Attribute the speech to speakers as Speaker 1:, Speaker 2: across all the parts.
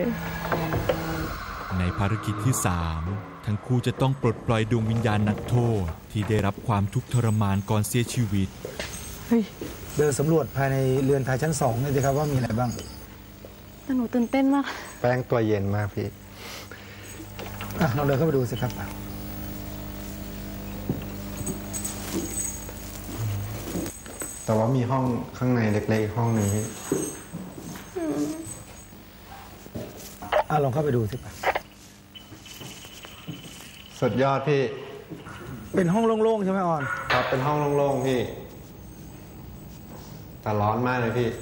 Speaker 1: ในภารกิจที่3ทั้งคู่จะต้องปลดปล่อยดวงวิญญาณนักโทษที่ได้รับความทุกข์ทรมานก่อนเสียชีวิต
Speaker 2: เดินสำรวจภายในเรือนไทยชั้น2นี่สิครับว่ามีอะไรบ้าง
Speaker 3: แต่หนูตื่นเต้นมาก
Speaker 4: แป้งตัวเย็นมากพี่
Speaker 2: เราเดินเข้าไปดูสิครับ
Speaker 4: แต่ว่ามีห้องข้างในเล็กๆห้องหนึ่งพี่
Speaker 2: ลองเข้าไปดูสิ
Speaker 4: สุดยอดพี่
Speaker 2: เป็นห้องโล่งๆใช่ไหมออน
Speaker 4: ครับเป็นห้องโล่งๆพี่แต่ร้อนมากเลยพี่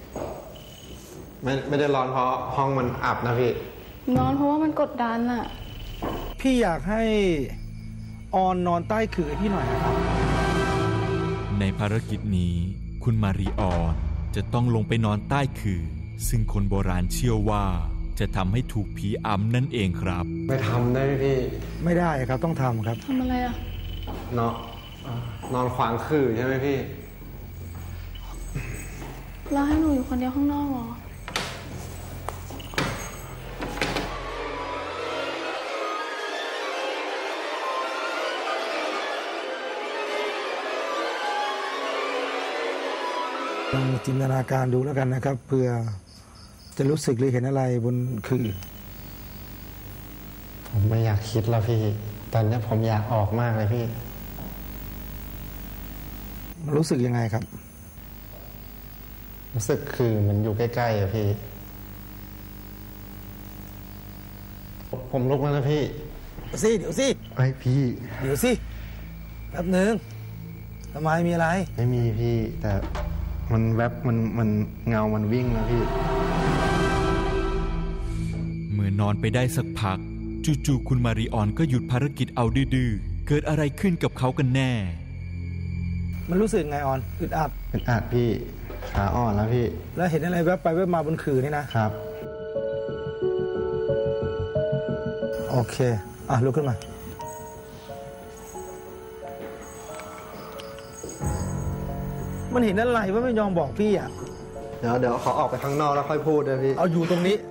Speaker 4: ไม่ได้ร้อนเพราะห้องมันอับนะพี่
Speaker 3: ร้อนเพราะว่ามันกดดันอะ
Speaker 2: พี่อยากให้ออนนอนใต้ขื่อพี่หน่อยนะครับ
Speaker 1: ในภารกิจนี้คุณมารีออนจะต้องลงไปนอนใต้ขื่อซึ่งคนโบราณเชื่อว่าจะทำให้ถูกผีอำนั่นเองครับ
Speaker 4: ไม่ทำได้พี่
Speaker 2: ไม่ได้ครับต้องทำครับ
Speaker 3: ทำอะไรอะ
Speaker 4: นอนขวางขื่อใช่ไหมพี่
Speaker 3: แล้วให้หนูอยู่คนเดียวข้างนอกเหรอ
Speaker 2: ลองจินตนาการดูแล้วกันนะครับเพื่อจะรู้สึกหรือเห็นอะไรบนขื่อ
Speaker 4: ผมไม่อยากคิดแล้วพี่ตอนนี้ผมอยากออกมากเลยพี่
Speaker 2: รู้สึกยังไงครับ
Speaker 4: รู้สึกคือมันอยู่ใกล้ๆอะพี่ผมลุกแล้วนะพี่
Speaker 2: เดี๋ยวสิ
Speaker 4: ไอ้พี่
Speaker 2: เดี๋ยวสิแป๊บหนึ่งทำไมมีอะไร
Speaker 4: ไม่มีพี่แต่มันแวบมันเงามันวิ่งนะพี่
Speaker 1: เมื่อนอนไปได้สักพักจู่ๆคุณมาริออนก็หยุดภารกิจเอาดื้อๆเกิดอะไรขึ้นกับเขากันแน่
Speaker 2: มันรู้สึกไงออนอึดอั
Speaker 4: ดพี่ขาอ่อนแล้วพี่
Speaker 2: แล้วเห็นอะไรแวบไปแวบมาบนขื่อนี่
Speaker 4: นะครับ
Speaker 2: โอเคลุกขึ้นมามันเห็นอะไรว่าไม่ยอมบอกพี่
Speaker 4: เดี๋ยวขอออกไปข้างนอกแล้วค่อยพูดเลยพี่
Speaker 2: เอาอยู่ตรงนี้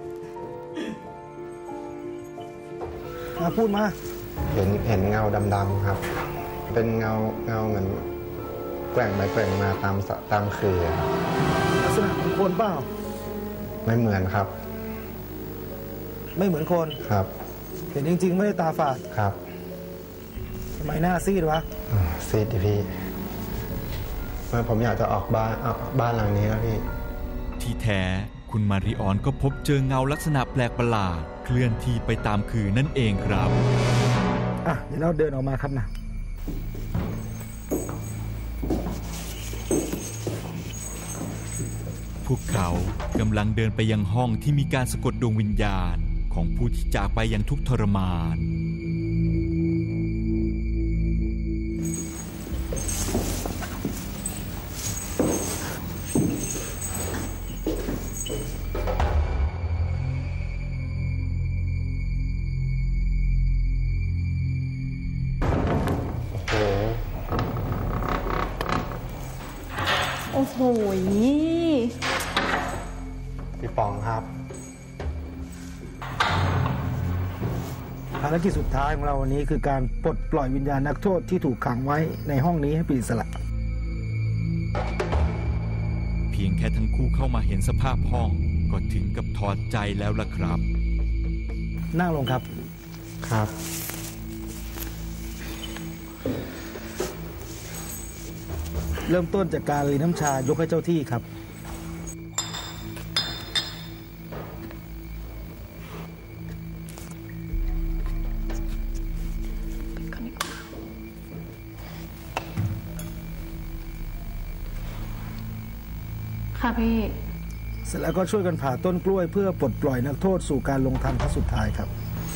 Speaker 2: มาพูดมา
Speaker 4: เห็นเงาดำๆครับเป็นเงาเหมือนแกว่งไปแกว่งมาตามขื่อ
Speaker 2: ลักษณะเหมือนคนเปล่า
Speaker 4: ไม่เหมือนครับ
Speaker 2: ไม่เหมือนคน
Speaker 4: ครับ
Speaker 2: เห็นจริงๆไม่ได้ตาฝาด
Speaker 4: ครับ
Speaker 2: ทำไมหน้าซีดวะ
Speaker 4: ซีดดิพี่ผมอยากจะออกบ้านหลังนี้แล้วพี่
Speaker 1: ที่แท้คุณมาริออนก็พบเจอเงาลักษณะแปลกประหลาดเคลื่อนที่ไปตามขื่อนั่นเองครับ
Speaker 2: เดี๋ยวเราเดินออกมาครับนะ
Speaker 1: พวกเขากำลังเดินไปยังห้องที่มีการสะกดดวงวิญญาณของผู้ที่จากไปอย่างทุกข์ทรมาน
Speaker 3: โอ้โห
Speaker 4: พี่ปองครับ
Speaker 2: ภารกิจสุดท้ายของเราวันนี้คือการปลดปล่อยวิญญาณนักโทษที่ถูกขังไว้ในห้องนี้ให้เป็นอิสระ
Speaker 1: เพียงแค่ทั้งคู่เข้ามาเห็นสภาพห้องก็ถึงกับถอดใจแล้วล่ะครับ
Speaker 2: นั่งลงครับ
Speaker 4: ครับ
Speaker 2: เริ่มต้นจากการรีน้ำชายกให้เจ้าที่ครับ
Speaker 3: ค่ะพี่
Speaker 2: เสร็จแล้วก็ช่วยกันผ่าต้นกล้วยเพื่อปลดปล่อยนักโทษสู่การลงทันครั้งสุดท้ายครับ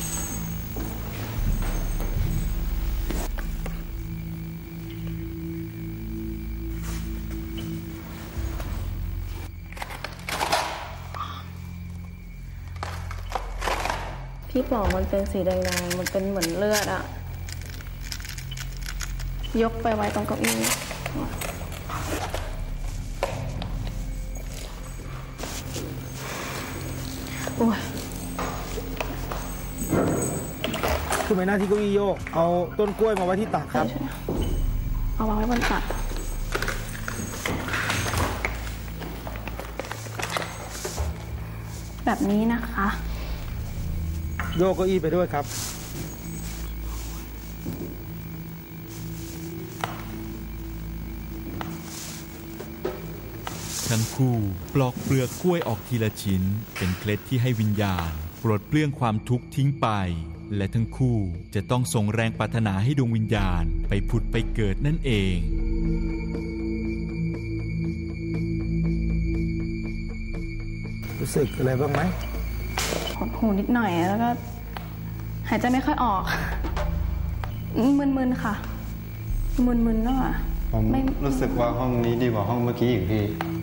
Speaker 3: พี่ปองมันเป็นสีแดงๆมันเป็นเหมือนเลือดอะยกไปไว้ตรงเก้าอี้โอ้ย
Speaker 2: คือไม่หน้าที่เก้าอี้โยกเอาต้นกล้วยมาไว้ที่ตักครับ
Speaker 3: เอาวางไว้บนตักแบบนี้นะคะ
Speaker 2: โยกเก้าอี้ไปด้วยครับ
Speaker 1: ทั้งคู่ปลอกเปลือกกล้วยออกทีละชิ้นเป็นเคล็ดที่ให้วิญญาณปลดเปลื้องความทุกข์ทิ้งไปและทั้งคู่จะต้องส่งแรงปรารถนาให้ดวงวิญญาณไปผุดไปเกิดนั่นเอง
Speaker 2: รู้สึกอะไรบ้างไหม
Speaker 3: หดหูนิดหน่อยแล้วก็หายใจไม่ค่อยออกมึนๆค่ะมึนๆแล้วอ่ะ
Speaker 4: ผมรู้สึกว่าห้องนี้ดีกว่าห้องเมื่อกี้อีกพี่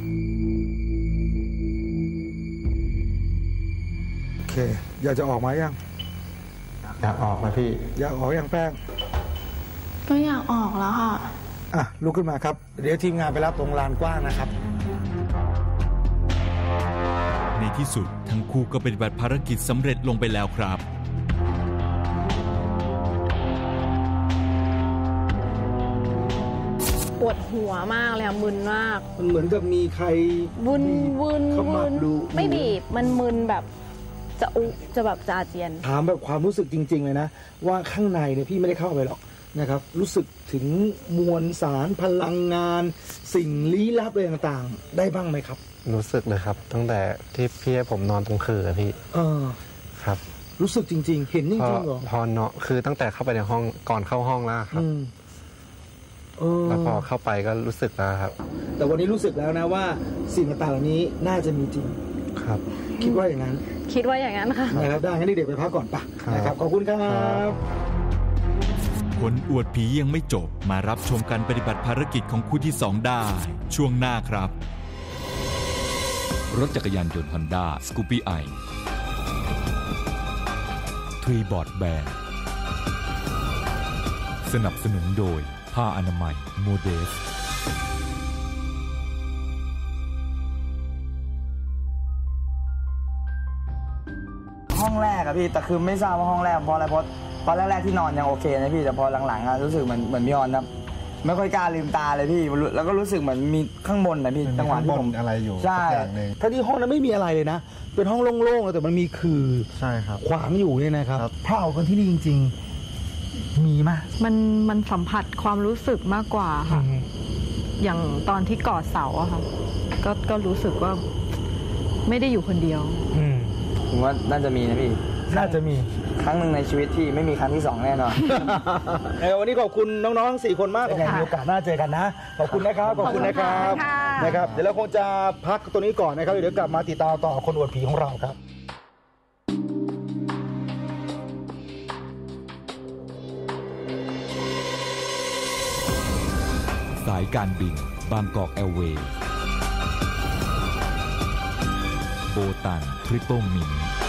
Speaker 2: โอเค อยากจะออกมายัง
Speaker 4: อยากออกนะพี่
Speaker 2: อยากออกยังแป้ง
Speaker 3: ก็อยากออกแล้วค่ะ
Speaker 2: อ่ะลุกขึ้นมาครับเดี๋ยวทีมงานไปรับตรงลานกว้างนะครับ
Speaker 1: ในที่สุดทั้งคู่ก็ปฏิบัติภารกิจสำเร็จลงไปแล้วครับ
Speaker 5: ปวดหัวมากเลยอะมึนมาก
Speaker 2: มันเหมือนกับมีใคร
Speaker 5: วุน
Speaker 2: เข้ามาดู
Speaker 5: ไม่บีบมันมึนแบบจะแบบจะอาเจียน
Speaker 2: ถามแบบความรู้สึกจริงๆเลยนะว่าข้างในเนี่ยพี่ไม่ได้เข้าไปหรอกนะครับ รู้สึกถึงมวลสารพลังงาน สิ่งลี้ลับอะไรต่างๆ ได้บ้างไหมครับ
Speaker 4: รู้สึกเลยครับตั้งแต่ที่พี่ให้ผมนอนตรงคือพี่ ครับ
Speaker 2: รู้สึกจริงๆ เห็นจริงๆเหรอ
Speaker 4: พอนอนคือตั้งแต่เข้าไปในห้องก่อนเข้าห้องแล้วครับแล้วพอเข้าไปก็รู้สึกแล้วครับ
Speaker 2: แต่วันนี้รู้สึกแล้วนะว่าสิ่งต่างๆเหล่านี้น่าจะมีจริง
Speaker 4: ครับ
Speaker 2: คิดว่าอย่างนั้น
Speaker 5: คิดว่าอย่างนั้นค่ะ
Speaker 2: นะครับได้งั้นเด็กๆไปพักก่อนปะ
Speaker 4: ครับ
Speaker 2: นะครับขอบคุณครับ
Speaker 1: คนอวดผียังไม่จบมารับชมการปฏิบัติภารกิจของคู่ที่ 2 ได้ ช่วงหน้าครับ รถจักรยานยนต์ Honda Scoopy i ทรีบอร์ดแบนสนับสนุนโดยผ้าอนามัยโมเดส
Speaker 6: ห้องแรกอะพี่แต่คือไม่ทราบว่าห้องแรกเพราะอะไรเพราะตอนแรกๆที่นอนยังโอเคนะพี่แต่พอหลังๆอะรู้สึกเหมือนพี่ออนครับไม่ค่อยกล้าลืมตาเลยพี่แล้วก็รู้สึกเหมือนมีข้างบนนะพี่จังหวะที่ผม
Speaker 4: อะไรอยู่
Speaker 6: ใช่
Speaker 2: ถ้าที่ห้องนั้นไม่มีอะไรเลยนะ เป็นห้องโล่งๆแต่มันมีคือ
Speaker 4: ใช่ครับ
Speaker 2: ขวางอยู่เนี่ยนะครับถ้าเอากันที่นี่จริงๆ มีมั้ย
Speaker 7: มันสัมผัสความรู้สึกมากกว่าค่ะ อย่างตอนที่กอดเสาอะค่ะก็รู้สึกว่าไม่ได้อยู่คนเดียว
Speaker 6: ผมว่าน่าจะมีนะพี่
Speaker 2: น่าจะมี
Speaker 6: ครั้งหนึ่งในชีวิตที่ไม่มีครั้งที่ 2แน่นอน
Speaker 2: วันนี้ขอบคุณน้องๆทั้ง4คนมากยังไงมีโอกาสหน้าเจอกันนะ ขอบคุณนะครับ ขอบคุณนะครับนะครับ เดี๋ยวเราคงจะพักตัวนี้ก่อนนะครับ เดี๋ยวกลับมาติดตามต่อคนอวดผีของเราครับ
Speaker 1: สายการบินบางกอกแอร์เวย์โบตันทริปเปิลมิน